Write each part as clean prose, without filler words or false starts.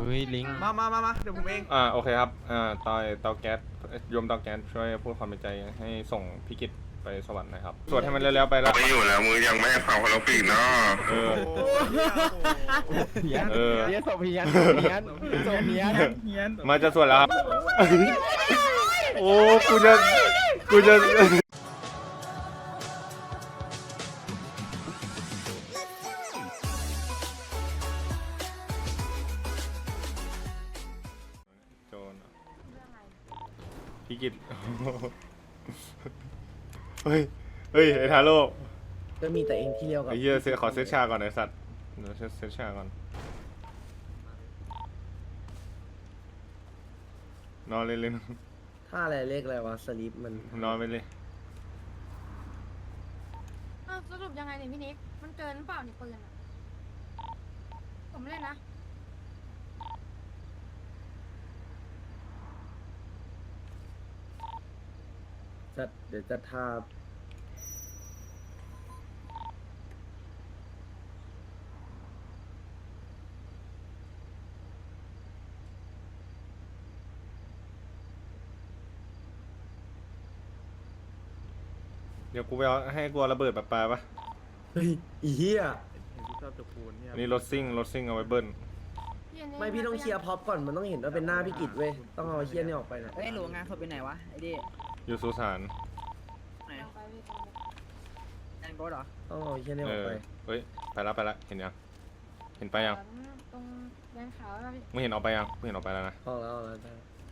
ฮ้ยลิงมาเดี๋ยวผมเองโอเคครับเตาแก๊สโยมเตาแก๊สช่วยพูดความในใจให้ส่งพี่กิตไปสวรรค์หนะครับสวดให้มันเร็วๆไปแล้วไม่อยู่แล้วมือยังไม่ฟังคนละปีกเนาะเพี้ยนเพี้ยนศพเพี้ยนเพี้ยนศพเพี้ยนเพี้ยนมาจะสวดแล้วครับโอ้กูจะโจรพี่กิตเฮ้ยไอ้ทาโร่ก็มีแต่เองที่เดียวกับไอ้เหี้ยขอเซตชาก่อนไอ้สัตว์เดี๋ยวเซตชาก่อนนอนเลยท่าอะไรเลขอะไรวะสลิปมันนอนไปเลยสรุปยังไงเนี่ยพี่นิกมันเกินหรือเปล่าเนี่ยปืนอ่ะผมเล่นนะเดี๋ยวจะท่าเดี๋ยวกูไปเอาให้กูระเบิดปลาปะเฮ้ยอีเหี้ยนี่รถซิ่งเอาไว้เบิ้ลไม่พี่ต้องเคลียร์พ็อปก่อนมันต้องเห็นว่าเป็นหน้าพี่กิจเว้ยต้องเอาเหี้ยนี่ออกไปนะเฮ้ยหลวงงานศพไปไหนวะไอ้ดิอยู่สุสานไหนแอนโบสเหรอต้องเอาเหี้ยนี่ออกไปเฮ้ยไปละเห็นยังเห็นไปยังตรงแดนขาวแล้วพี่ไม่เห็นออกไปยังไม่เห็นออกไปแล้วนะออกแล้วได้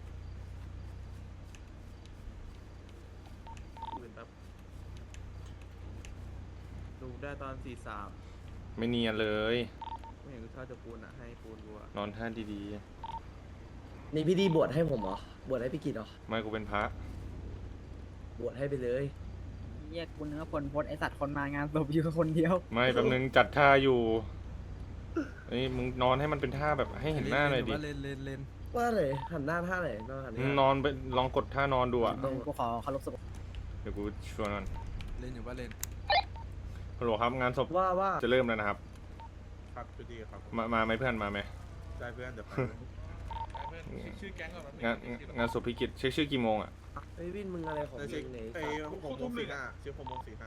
ดูได้ตอน43 ไม่เนียนเลยไม่เห็นกูชอบจะปูนอ่ะให้ปูนกูอ่ะนอนท่าดีนี่พี่ดีบวชให้ผมเหรอบวชให้พี่กิจเหรอไม่กูเป็นพระบวชให้ไปเลยเรียกกูเนื้อคนโพสไอสัตว์คนมางานศพอยู่คนเดียวไม่แป๊บนึงจัดท่าอยู่นี่มึงนอนให้มันเป็นท่าแบบให้เห็นหน้าเลยดิเล่นว่าเลยหันหน้าท่าไหนนอนหันหน้านอนไปลองกดท่านอนดูอ่ะกูขอเคารพศพเดี๋ยวกูชวนมันเล่นอยู่ว่าเล่นฮัลโหลครับงานศพว่าจะเริ่มแล้วนะครับครับจุดีครับมาไหมเพื่อนมาไหมได้เพื่อนเดี๋ยวไปชื่อแก๊งก่อนงานศพพิกิตเช็คชื่อกี่โมงอ่ะไอ้วินมึงอะไรของมึงเนี่ยไอ้6:45ชื่อ6:45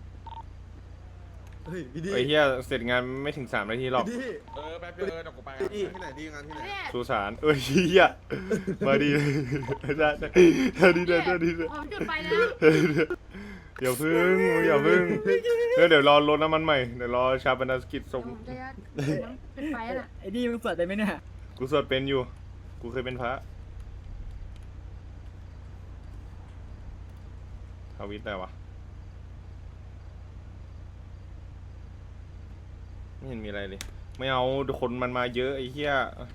เฮ้ยพี่ดีไอ้เหี้ยเสร็จงานไม่ถึง3 นาทีหรอกแป๊บเดียวเดี๋ยวกูไปที่ไหนดีงานที่ไหนสุสานเหี้ยมาดีเลยได้ผมจุดไปแล้วอย่าพึ่งเดี๋ยวรอรถน้ำมันใหม่เดี๋ยวรอชาปนกิจส่งจุดไปแล้วไอ้ดิมึงสวดได้ไหมเนี่ยกูสวดเป็นอยู่กูเคยเป็นพระทวิตแต่วะไม่เห็นมีอะไรเลยไม่เอาคนมันมาเยอะไอ้เหี้ย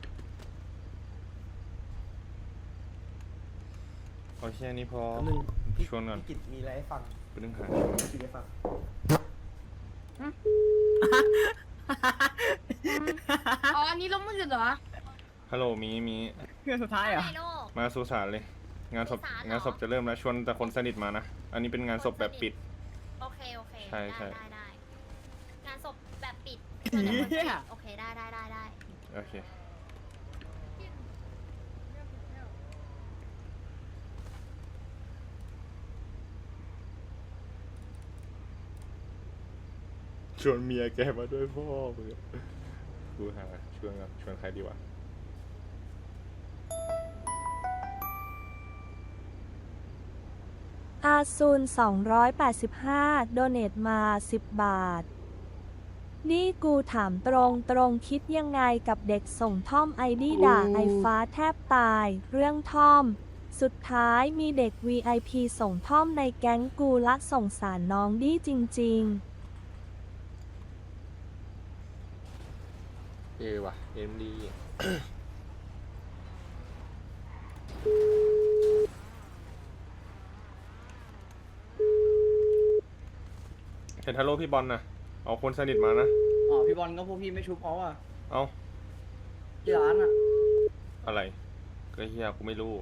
เอาแค่นี้พอชวนก่อนพี่กิจมีอะไรให้ฟังไปนึงหาพี่ได้ฟังอ๋ออันนี้ล้มมือเหรอฮัลโหลมีเพื่อนสุดท้ายเหรอมาสุสานเลยงานศพจะเริ่มแล้วชวนแต่คนสนิทมานะอันนี้เป็นงานศพแบบปิดโอเคใช่งานศพแบบปิดโอเคได้โอเคชวนเมียแกมาด้วยพ่อเพื่อกูหาชวนใครดีวะอาซูน285โดเนทมา10 บาทนี่กูถามตรงคิดยังไงกับเด็กส่งท่อมไอดีด่าไอฟ้าแทบตายเรื่องท่อมสุดท้ายมีเด็ก VIP ส่งท่อมในแก๊งกูละสงสารน้องดีจริงๆว่ะเอ็มดีเห็นฮัลโหลพี่บอลนะเอาคนสนิทมานะอ๋อพี่บอลก็พวกพี่ไม่ชุบเขาอ่ะเอาที่ร้านอ่ะอะไรก็เฮียกูไม่รู้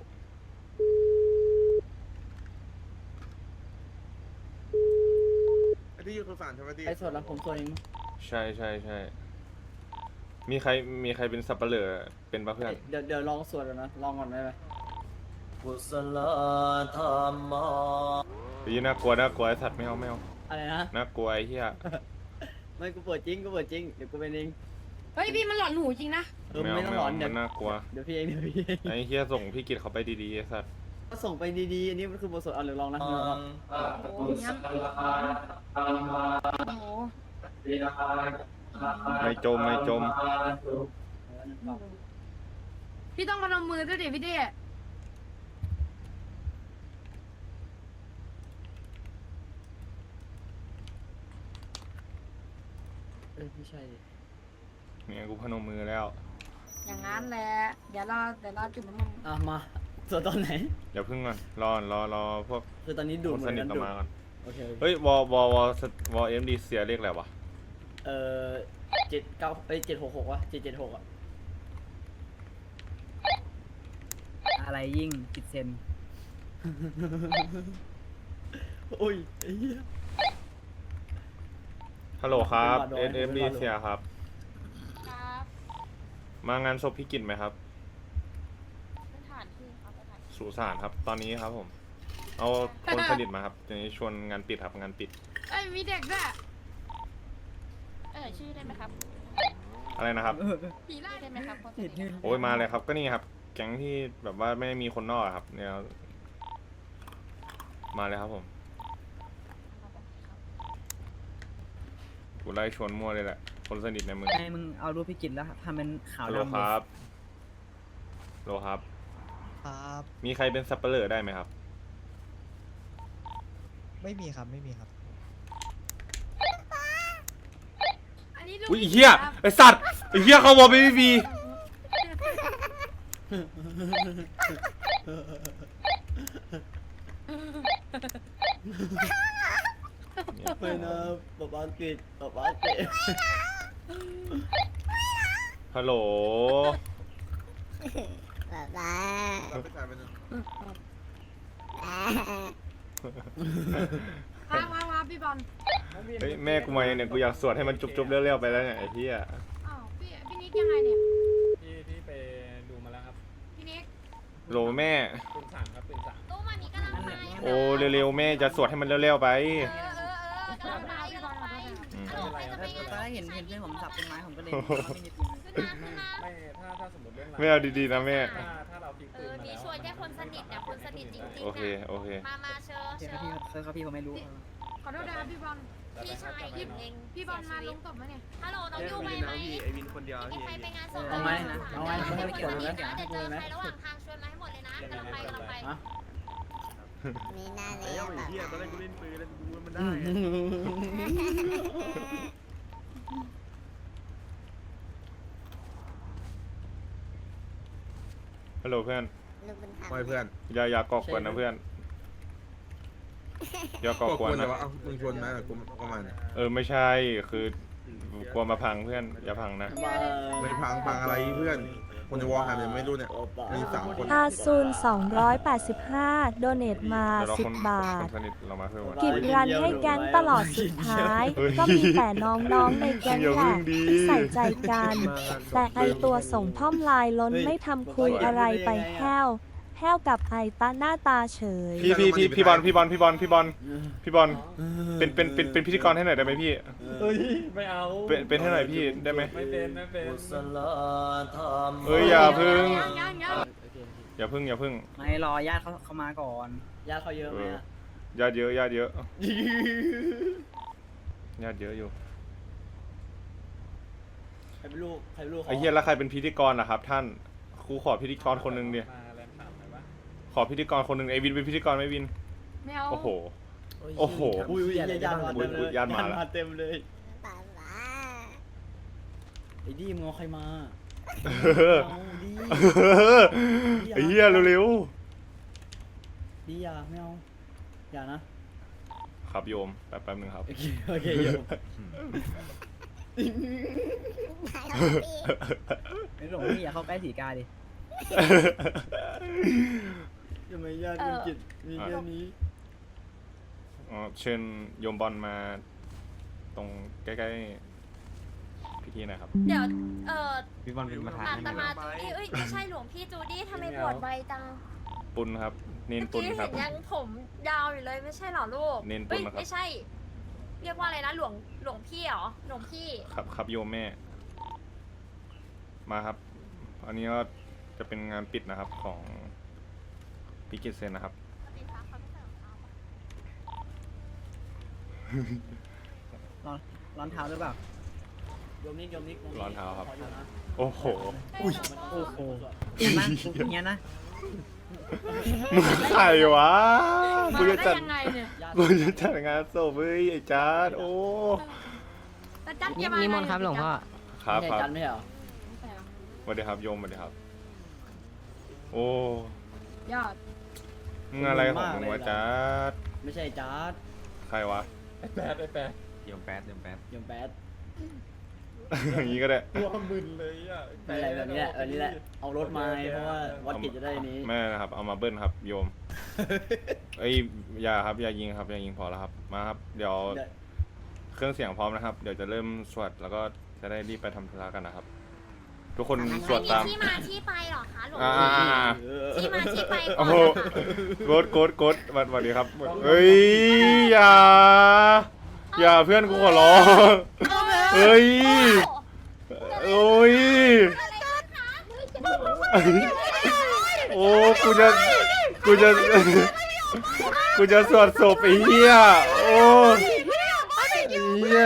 ไอ้ที่อยู่สุสานใช่ไหมที่ไอ้ส่วนละผมส่วนเองใช่มีใครเป็นสับเปลือเป็นปะเพื่อนเดี๋ยวลองสวดก่อนนะลองก่อนได้ไหมกุศลธรรมน่ากลัวไอ้สัตว์ไม่เอาอะไรนะน่ากลัวไอ้เหี้ยไม่กูเปิดจริงเดี๋ยวกูเป็นเองเฮ้ยพี่มันหลอนหูจริงนะไม่ต้องหลอนเดี๋มัยวนน่ากลัวเดี๋ยวพี่เองไอ้เหี้ยส่งพี่กิตเขาไปดีๆไอ้สัตว์ก็ส่งไปดีๆอันนี้มันคือบทสวดเอาเดี๋ยวลองนะโอ้โหงั้นโอ้โหไม่จมพี่ต้องมาลงมือด้วยดิพี่เด้ไม่ใช่ดิเนี่ยกูพนมมือแล้วอย่างนั้นแหละเดี๋ยวเราจุดน้ำมันมาสวดตอนไหนอย่าพึ่งก่อนรอพวกคือตอนนี้คดูดนเหมืสอนนิทกันเราดูดมาก่อนโอเคเฮ้ยวอเอ็มดีเสียเรียกอะไรวะ 796วะ776อ่ะอะไรยิ่งผิดเซนโอ้ยไอ้เหี้ยฮัลโหลครับเป็นหวัดน้อย SMD เสียครับครับมางานศพพี่กิตไหมครับเป็นฐานที่ครับเป็นฐานสุสานครับ ตอนนี้ครับผม เอาคนสนิทมาครับทีนี้ชวนงานปิดครับงานปิดเอ้ยมีเด็กด้วยชื่อได้ไหมครับอะไรนะครับผีไล่ได้ไหมครับคนสนิทโอ้ยมาเลยครับ ก็นี่ครับ แก๊งที่แบบว่าไม่มีคนนอกอะครับ เนี่ยมาเลยครับผมกูไล่ชวนมั่วเลยแหละ คนสนิทในเมืองให้มึงเอารูปพี่กิตแล้วทำเป็นขาวฮัลโหลดำคเลยรับฮัลโหลครับครับมีใครเป็นสับเปลือได้ไหมครับไม่มีครับ ไม่มีครับอันนี้ลูกอุ้ยไอ้เหี้ยไอสัตว์ไอเหี้ยเขาบอกไม่มีไม่นะป๊าเกตฮัลโหลว้าพี่บอลเฮ้ยแม่กูมาเนี่ยกูอยากสวดให้มันจุบๆเร็วๆไปแล้วเนี่ยไอ้เหี้ยอ้าวพี่นิกยังไงเนี่ยพี่ไปดูมาแล้วครับพี่นิกโหลแม่ปืนสั่งครับปืนสั่งตู้มามีกำลังไปโอ้เร็วๆแม่จะสวดให้มันเร็วๆไปกำลังไปกำลังไปอืมตอนแรกเห็นเพื่อนผมสับเป็นไม้ผมก็เลยไม่ได้ยินไม่ถ้าสมมติเรื่องไม่เอาดีๆนะแม่ถ้าเราทิ้งปืนมามีแล้วชวนแค่คนสนิทนะคนสนิทจริงๆโอเคโอเคมาเชิญเชื่อพี่เขาพี่เขาไม่รู้ขอโทษนะครับพี่บอลพี่ชายพี่บอลมาลงศพไหมเนี่ยฮัลโหลน้องยูไปไหมไอวินคนเดียวมีใครไปงานศพเอาไหมเอาไหมไม่ให้กดเลยเดี๋ยวนะเจอใครระหว่างทางชวนมาให้หมดเลยนะกำลังไปมีหน้าเลยแบบตอนแรกกูเล่นปืนแล้วกูมันได้ฮัลโหลเพื่อนลูกบุญธรรมไม่เพื่อนอย่ากอกวนนะเพื่อนอย่ากอกวนนะมึงชวนมากูก็มาเนี่ยไม่ใช่คือกลัวมาพังเพื่อนอย่าพังนะไม่พังอะไรเพื่อน คนในวอลหายังไม่รู้เนี่ย มี3 คนอาซูน285 โดเนตมาเดี๋ยวเราคน 10 บาคทนสนิทเรามาเพิ่มวันกิจรันให้แก๊งตลอดสุดท้ายเฮ้ยก็มีแต่น้องๆในแก๊งอย่าแหพึ่ละงดีที่ใส่ใจกัน แต่ไอตัวส่งท่อมลายล้นไม่ทำคุยอะไรไปแห้วกับไอตาหน้าตาเฉยพี่บอลเป็นพิธีกรให้หน่อยได้ไหมพี่เฮ้ยไม่เอาเป็นให้หน่อยพี่ได้ไหมไม่เป็นกุศลธรรมอย่าพึ่งยังอย่าพึ่งไม่รอญาติเขามาก่อนญาติเขาเยอะไหมอะญาติเยอะญาติเยอะอยู่ใครเป็นลูกเขาไอ้เหี้ยแล้วใครเป็นพิธีกรล่ะครับ ท่านครูขอพิธีกรคนหนึงดิมาแลนด์ถามหน่อยว่าขอพิธีกรคนหนึงไอวินเป็นพิธีกรไหมวินไม่เอาโอ้โห โอ้โหอุ้ยญาติมาเต็มเลยญาติมาละเต็มเลยป่าว่าไอ้ดีมึงเอาใครมา เอาดีไอ้เหี้ยเร็วดีอย่าไม่เอาอย่านะๆครับโยมแป๊บนึงครับโอเคโยมไม่หลงพี่อย่าเข้าใกล้สีกาดิทำไมญาติมึงจิตมีแค่นี้เชิญโยมบอลมาตรงใกล้ๆพิธีหนะครับเดี๋ยวพี่บอลเป็นประธานอาให้ตไหมมาจูดี้เอ้ยไม่ใช่หลวงพี่จูดี้ทำไมบวชไวจังปุณครับ เนนเมื่อปุณกี้ครัเห็บนยังผมยาวอยู่เลยไม่ใช่เหรอลูกเน้นปุเอ้ณยนะครับไม่ใช่ เรียกว่าอะไรนะหลวงพี่เหรอหลวงพี่ครับโยมแม่ มาครับ อันนี้ก็จะเป็นงานปิดนะครับของพิกิตเซนนะครับร้อนเท้าหรือเปล่าโยมนิกร้อนเท้าครับ โอ้โหอุ้ยโอ้โหเห็นไหมอย่างเงี้ยนะมึงใครวะกูมาจะได้จัดยังไงเนี่ยกูจะจัดงานศพเฮ้ยไอ้จ๊าดโอ้แต่จัดเกี่ยวมานิมนต์ครับหลวงพ่อครับไม่คใช่รับจันไม่ใช่เหรอสวัสดีครับโยมสวัสดีครับ โอ้ยอดมึงอะไรของมึงวะจ๊าดไม่ใช่จัดใครวะโยมแป๊ดอย่างนี้ก็ได้ไม่อะไรแบบนี้แหละแบบนี้แหละเอารถมาเพราะว่าวัดกิจจะได้นี้ไม่นะครับ เอามาเบิ้ลครับ โยม เอ้ยอย่าครับอย่ายิงครับอย่ายิงพอแล้วครับมาครับ เดี๋ยวเครื่องเสียงพร้อมนะครับ เดี๋ยวจะเริ่มสวดแล้วก็จะได้รีบไปทำธุระกันนะครับ ทุกคนสวดตามที่มาที่ไปเหรอคะหลวงอ่าพี่ที่มาที่ไปก่โอ้อนโหนะคะกดสวัสดีครับเฮ้ยอย่าเพื่อนกูขอร้องเฮ้ยโอ้ยโอ้กูจะสวดศพไอ้เหี้ยโอ้ไอ้เหี้ย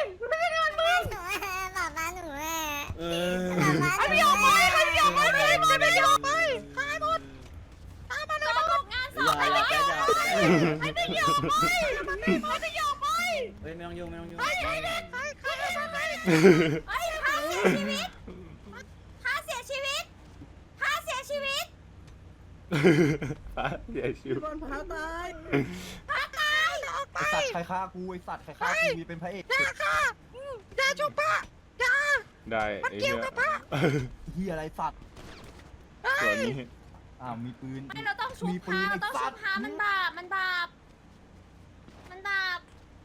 บอกมาหนูแม่ไม่ยอมไปไม่ยอมไปขายหมดตามมาดูงานศพไปแล้วไม่ยอมไปไม่ยอมไปเฮ้ยไม่ต้องยุ่งไอ้ค่าเสียชีวิตพระเสียชีวิตบอลพาตายไอสัตว์ใครฆ่ากูไอสัตว์ใครฆ่ากูเป็นพระเอกอย่าจุบปะอย่าได้ไอ้เหี้ยเฮียอะไรสัตว์ส่วนนี้มีปืนไม่เราต้องชุบมีปืพาน เราต้องไอ้สัชุตบว์พามันบาปมันบาปมันบาป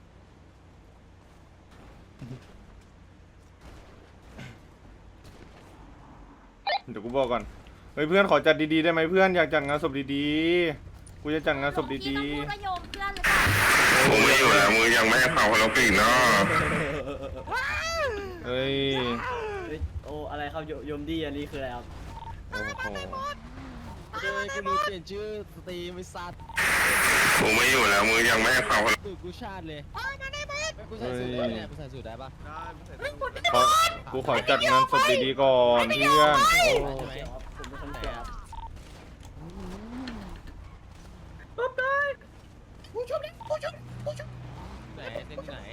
เดี๋ยวกูบอกก่อนเฮ้ยเพื่อนขอจัดดีๆได้ไหมเพื่อนอยากจัดงานศพดีๆกูจะจัดงานศพดีพี่ต้องพูดว่าโยมเพื่อนหรือเปล่าผมไม่อยู่แล้วมือยังไม่ให้เผาโอลิมปิกเนาะๆเฮ้ยโอ้อะไรครับโยมดีอันนี้คืออะไรครับโอ้โหเจอกูรู้เปลี่ยนชื่อสตรีมไอสัตว์ผมไม่อยู่แล้วมือยังไม่ให้เผาสูตรกูชาติเลยกูใส่สูตรได้เนี่ยกูใส่สูตรได้ปะกูขอจัดงานศพดีๆก่อนเพื่อนโอ้ผมเป็นคนแก่ครับไหนเต้นที่ไหน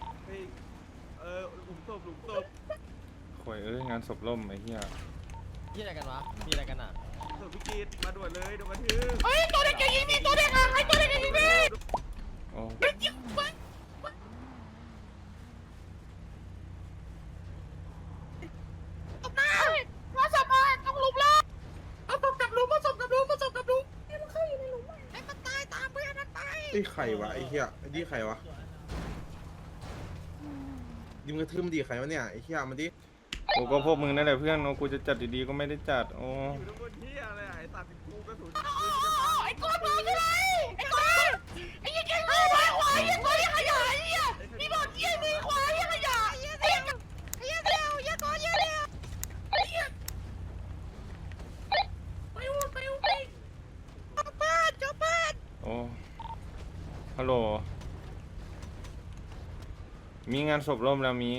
ข่วยเอ้ยงานศพล่มไอ้เหี้ยที่อะไรกันวะมีอะไรกันอ่ะเฮ้ยตัวเด็กจะยิงนี่ตัวเด็กอะไอ้ตัวเด็กจะยิงนี่โอ้มาสับมาต้องลุมแล้วเอาศพกับลุมมาศพกับลุมให้มันเข้าอยู่ในหลุมให้มันตายตามเพื่อนมันไปไอ้ไข่วะไอ้เหี้ยไอ้นี่ไข่วะยิงกระทืมดีไข่วะเนี่ยไอ้เหี้ยมันดิโอ้ก็พวกมึงนั่นแหละเพื่อนโอ้กูจะจัดดีๆก็ไม่ได้จัดโอ้ไอ้ก้อนมาใช่ไหมไอ้ก้อนไอ้ยี่เก่งมือขวาไอ้ยี่ก้อนยี่ขยะไอ้ยี่นี่บอกยี่มือขวายี่ขยะไอ้ยี่เดียวยี่ก้อนยี่เดียวไอ้ยี่ไปจบบ้านโอ้ฮัลโหลมีงานศพล่มแล้วมี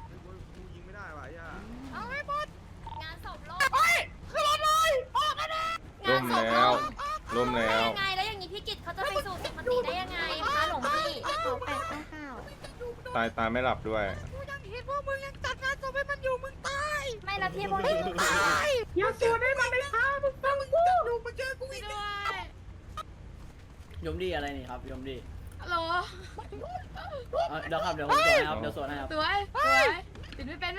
เอาให้หมดงานศพล่มเฮ้ยขึ้นรถเลยออกกันนะล่มแล้วล่มแล้วยังไงแล้วอย่างนี้พี่กิตเขาจะไปสู่สุคติได้ยังไงคะหลวงพี่ตายไม่หลับด้วยกูยังเห็นว่ามึงยังจัดงานศพให้มันอยู่มึงตายไม่ละพี่พวกนี้มึงตายอย่าสูดให้มันไปฆ่ามึงฟังกูดูมาเจอกูอีกด้วยโยมดีอะไรนี่ครับโยมดีฮัลโหลเดี๋ยวครับเดี๋ยวผมสวดให้ครับเดี๋ยวสวดให้ครับสวยปิดไม่เป็น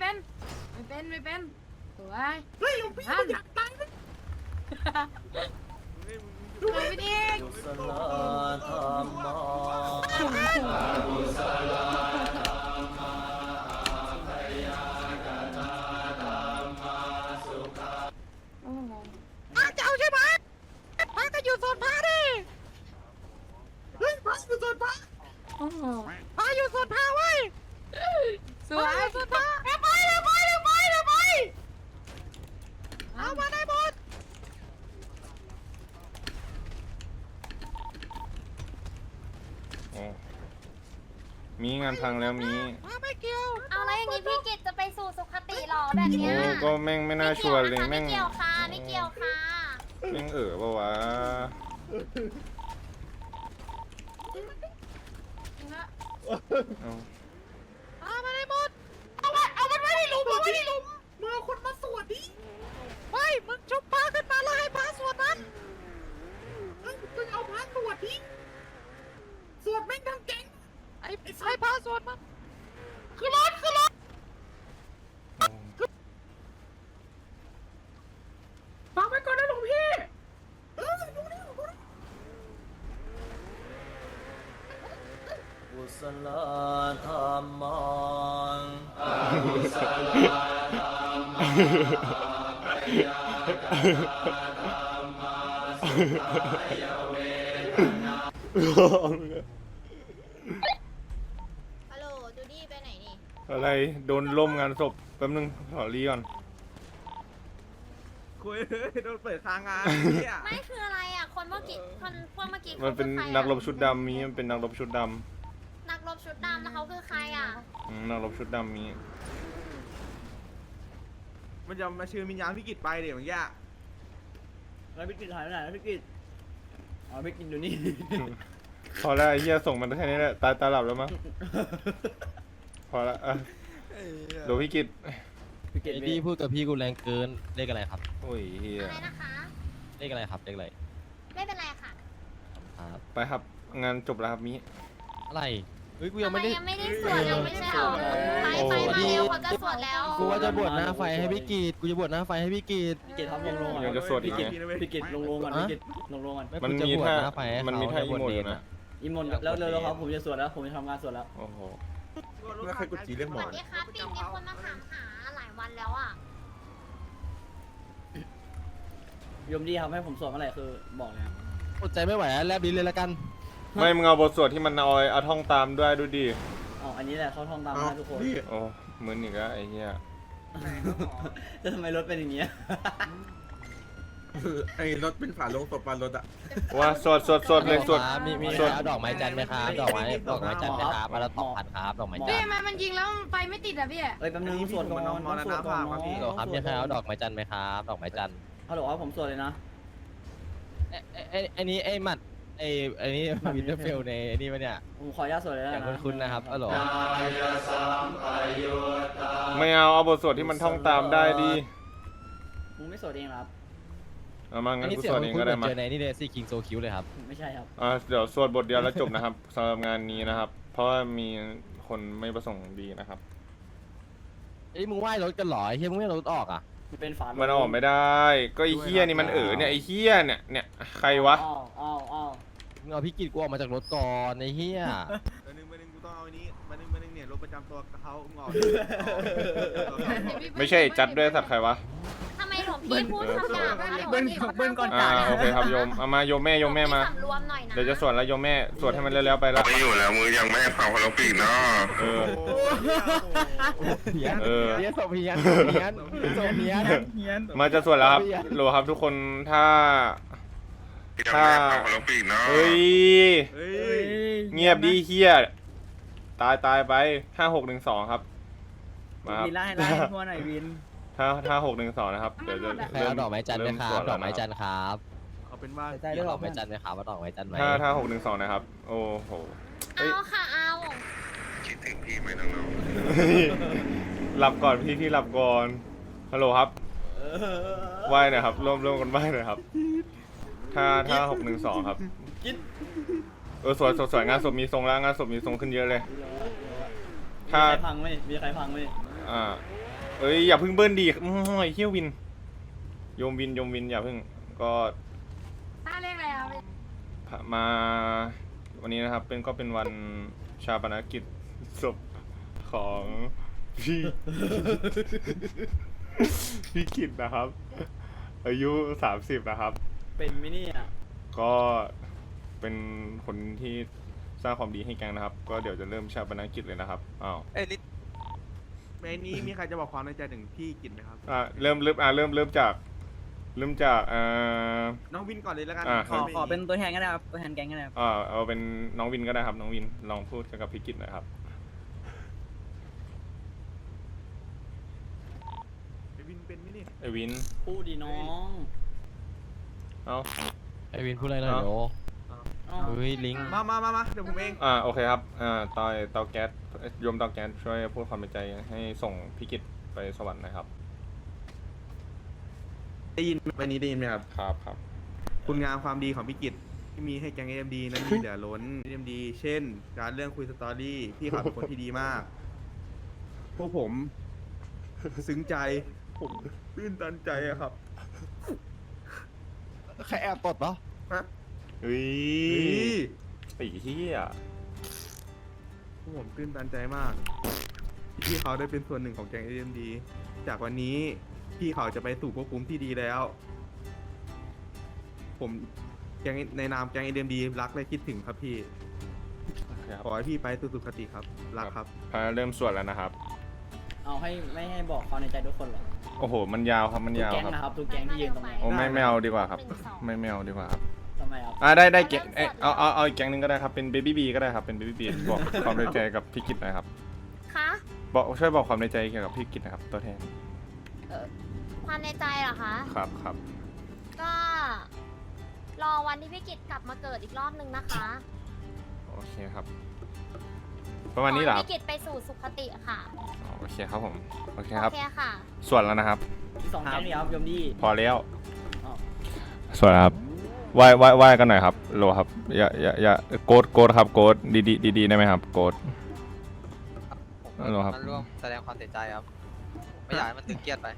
สวยเฮ้ยหลวงพี่อยากตายดูไปดิกุศลธรรมะพระจะเอาใช่ไหมพระก็อยู่โซนพระดิเฮ้ยพระอยู่โซนพระพระอยู่โซนพระเว้ยสวยโซนพระเดี๋ยวไปเอามาได้หมดโอ้มีงานพังแล้วมีไม่เกี่ยวเอาแล้วอย่างนี้พี่กิตจะไปสู่สุขติหรอแบบเนี้โอ้ยก็แม่งไม่น่าชวนเลยแม่งไม่เกี่ยวค่ะไม่เกี่ยวค่ะแม่งปะวะเอาเอามาได้หมดเอามันไว้ในหลุมเอาไว้ในหลุมมึงเอาคนมาสวดดิไม่มึงชุบพระขึ้นมาแล้วให้พระสวดมันมึงเอาพระสวดดิสวดแม่งทั้งเก่งไอ้พระสวดมันคือรถฟังไว้ก่อนนะหลวงพี่ดูนี่กุศลธรรมังฮัลโหลจูดี้ไปไหนนี่อะไรโดนล่มงานศพแป๊บนึงขอรีก่อนคุยโดนเปิดค้างงานเนี่ยไม่คืออะไรอ่ะคนเมื่อกี้พวกเมื่อกี้มันเป็นขาคือใครอะนักรบชุดดำมีมันเป็นนักรบชุดดนักรบชุดดำแล้วเขาคือใครอ่ะำนักรบชุดดำมีมันจะมาเชิญวิญญาณพี่กิตไปเดี๋ยวอย่างเงี้ยแล้วพี่กิตหายไปไหนแล้วพี่กิตอ๋อพี่กิตอยู่นี่พอแล้วไอ้เหี้ยส่งมันแค่นี้แหละตาหลับแล้วมั้งพอละอ่ะเดี๋ยวพี่กิตพี่กิตไอ้ดีพูดกับพี่กูแรงเกินเลขอะไรครับโอ้ยเฮียอะไรนะคะเลขอะไรครับเลขอะไรไม่เป็นไรค่ะครับไปครับงานจบแล้วครับมีอะไรเฮ้ยกูทำยังไมไม่ได้ยังไม่ได้สวดยังไม่ใช่หรอไปมาเร็วเขาจะสวดแล้วกูว่าจะบวชหน้าไฟให้พี่กีดกูจะบวชหน้าไฟให้พี่กีดพี่กิตทำลงก่อนยังจะสวดอีพี่กกิตไงพี่กิตลงก่อนฮะพี่กิตลงก่อนไม่มันกูจะมีบวชท่าหน้าไฟให้มันมีเขาท่าจะอีบวชโมดเนอยู่รนะอีมนแล้วเร็วๆครับผมจะสวดแล้วผมจะทำงานสวดแล้วโอ้โหแล้วใครกดจีเรียกหสมอวัสดีครับปิ่นมีคนมาถามหาหลายวันแล้วอ่ะยมดีครับให้ผมสวดเมื่อไหร่คือบอกเลยครับอดใจไม่ไหวแล้วแลบลิ้นเลยละกันไม่มึงเอาบทสวดที่มันเอาท่องตามด้วยดูดิอ๋ออันนี้แหละเขาท่องตามเอาได้ทุกคนพี่โอ้มึนอีกแล้วไอ้เหี้ยจะทำไมรถเป็นอย่างเงี้ยไอ้รถเป็นฝาโลงศพปานรถอะว่าสวดเลยสวดครับมีสวดเอาดอกไม้จันทร์ไหมครับดอกไม้จันทร์ไหมครับมาละ2,000ครับดอกไม้จันพี่ทร์ทำไมมันยิงแล้วไฟไม่ติดอ่ะพี่เอ้ยแป๊บนึงสวดก่อนต้องสวดก่อนฮัลโหลครับมีใครเอาดอกไม้จันทร์ไหมครับดอกไม้จันทร์ฮัลโหลครับผมสวดเลยนะไอ้นี้ไอ้หมัดไอ้นี่วินเทอร์เฟลในไอ้นี่ปะเนี่ยผมขออนุญาตสวดเลยอย่างนะคุ้นๆนะครับฮัลโหลไม่เอาบทสวดที่มันท่องตามได้ดิมึงไม่สวดเองเหรอครับเอามาอังั้นนนี้กูเสียสงวดเองคุ้ก็นๆเหได้มือนมาเจอในนี่เลยซี่คิงโซคิวเลยครับไม่ใช่ครับเดี๋ยวสวดบทเดียวแล้วจบนะครับ สำหรับงานนี้นะครับ เพราะว่ามีคนไม่ประสงค์ดีนะครับเอ้ยมึงไหว้รถกันเหรอไอ้เฮียมึงไม่เอารถออกอ่ะมันเป็นฝามันออกไม่ได้ ก็ไอ้เหี้ยนี่มันเนี่ยไอ้เหี้ยเนี่ยใครวะอ้าวมึงเอาพี่กิตกูออกมาจากรถก่อนไอ้เฮียมาหนึ่งกูต้องเอาอันนี้มาหนึ่งเนี่ยรถประจำตัวเขางอไม่ใช่จัดด้วยสัตว์ใครวะทำไมหลวงพี่พูดคำหยาบคะหลวงพี่เขาตั้งโอเคครับโยมเอามาโยมแม่มาสำรวมหน่อยนะเดี๋ยวจะสวดแล้วโยมแม่สวดให้มันเร็วๆไปละไม่อยู่แล้วมือยังไม่ให้เผาคนละปีกเนาะเออเพี้ยนเออเพี้ยนศพเพี้ยนเพี้ยนศพเพี้ยนมาจะสวดแล้วครับโหลครับทุกคนถ้ายังไม่ให้เผาคนละปีกเนาะเฮ้ยเฮ้ยเงียบดีเฮียตายไป5612ครับมาครับวินไล่ทั่วหน่อยวินถ้า612นะครับเดี๋ยวจะใครเอาดอกไม้จันทร์ไหมครับเริ่สวดอกไม้จันททร์ครับเอาเป็นว่าใจด้วยดอกไม้จันทร์ไหมครับว่าดอกไม้จันทร์ไหมแล้วถ้า612นะครับ โอ้โหเฮ้ยเอาค่ะเอาคิดถึงพี่ไหมน้องหลับก่อนพี่หลับก่อนฮัลโหลครับไหว้หน่อยครับร่วมกันไหว้หน่อยครับถ้า612ครับสวยงานศพมีทรงแล้วงานศพมีทรงขึ้นเยอะเลยมีใครพังไหมมีใครพังไหมเอ้ยอย่าเพิ่งเบิ้ลดีไอ้เฮียวินโยมวินอย่าเพิ่งก็ถ้าเรียกอะไรอ่ะมาวันนี้นะครับก็เป็นวันชาปนกิจศพของพี่ พี่กิตนะครับอายุ 30 นะครับเป็นมินี่อ่ะก็เป็นคนที่สร้างความดีให้แก๊งนะครับ ก็เดี๋ยวจะเริ่มชาปนกิจเลยนะครับอ้าวเนี้มีใครจะบอกความในใจถึงพี่กินไหมครับเริ่มจากน้องวินก่อนเลยแล้วกันขอเป็นตัวแทนก็ได้ครับตัวแทนแก๊งก็ได้ครับเอาเป็นน้องวินก็ได้ครับ น้องวินลองพูดกับพี่กิจหน่อยครับไอวินเป็นไหมนี่ไอวินพูดดีน้องเอ้าไอวินพูดอะไรหน่อยโอ้เฮ้ยลิงมาเดี๋ยวผมเองโอเคครับเตาแก๊สโยมเตาแก๊สช่วยพูดความในใจให้ส่งพี่กิจไปสวรรค์หนะครับได้ยินวันนี้ได้ยินไหมครับครับคุณงามความดีของพี่กิตที่มีให้แก๊ง AMD นั้นมีเหลือล้น AMD เช่น การเรื่องคุยสตอรี่พี่เขาเป็นคนที่ดีมาก พวกผมซึ้งใจ ผมตื้นตันใจอะครับใครแอบตดปะฮะเฮ้ยเฮ้ยไอ้เหี้ยพวกผมตื้นตันใจมากที่เขาได้เป็นส่วนหนึ่งของแก๊ง AMD จากวันนี้พี่เขาจะไปสู่ภพภูมิที่ดีแล้ว ผมแก๊งในนามแก๊ง AMD รักและคิดถึงครับพี่ครับขอให้พี่ไปสู่สุคติครับ รักครับเริ่มสวดแล้วนะครับเอาให้ไม่ให้บอกความในใจทุกคนเหรอโอ้โห มันยาวครับ มันทุกยาวแก๊งครับนะครับทุกแก๊งที่ยืนตรงนี้โอ้ไม่เอาดีกว่าครับ ไม่เอาดีกว่าครับทำไมครับได้แก๊งเอาอีกแก๊งหนึงก็ได้ครับ เป็นเบบี้บีก็ได้ครับ เป็นเบบี้บีบอกความในใจกับพี่กิตหน่อยครับคะช่วยบอกความในใจเกี่ยวกับพี่กิตนะครับ ตัวแทนความในใจเหรอคะครับก็รอวันที่พี่กิตกลับมาเกิดอีกรอบนึงนะคะโอเคครับ ประมาณนี้เหรอขคอรับให้พี่กิตไปสู่สุคติค่ะโอเคครับผม โอเคครับโอเคค่ะสวดแล้วนะครับที่สองแก๊งนี่ครับยมดีพอแล้วอ้าวสวัสดีครับไหว้กันหน่อยครับโลครับอย่าโกดครับโกดดีได้ไหมครับโกด ฮัลโหลครับมันร่วมแสดงความเสียใจครับ ไม่อยากให้มันตึงเครียดไป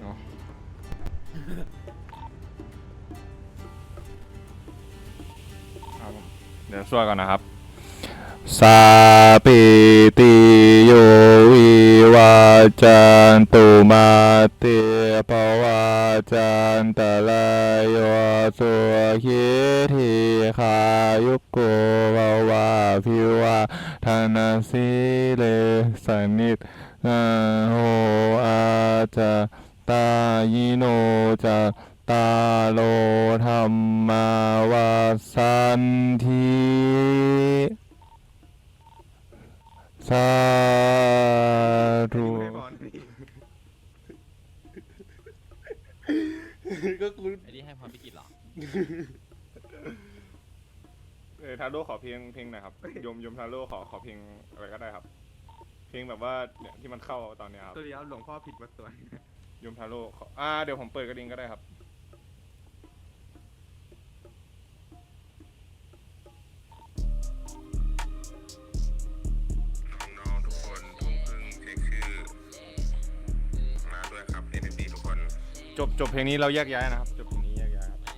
เดี๋ยวช่วยก่อนนะครับสาปิติโยวิวาจันตุมาเตภวาจันตะลายโยสุขิธิขายุโกภวาภิวาทานาสิเลสนิทนาโหอาจาตายิโนจาตาโลธรรมาวาสันทีสาธุ ก็คุณไอ้นี่ให้พรพิกิจเหรอทาโร่ขอเพลงหน่อยครับยมทาโร่ขอเพลงอะไรก็ได้ครับ เพลงแบบว่าเนี่ยที่มันเข้าตอนเนี้ยครับตัวเดียวหลวงพ่อผิดวัดตัวยมทาโร่เดี๋ยวผมเปิดกระดิ่งก็ได้ครับน้องๆทุกคนทุ่มครึ่งเช็คชื่อมาด้วยครับ AMD ทุกคนจบเพลงนี้เราแยกย้ายนะครับ จบเพลงนี้แยกย้ายครับ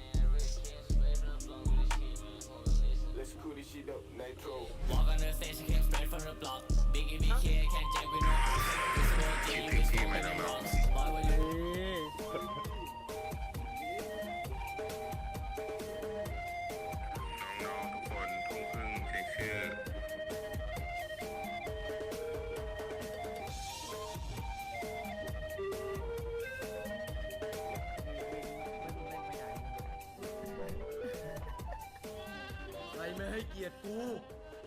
คิดถึงพี่ไหมน้องๆ น้องๆทุกคนทุ่มครึ่งเช็คชื่อใครไม่ให้เกียรติกู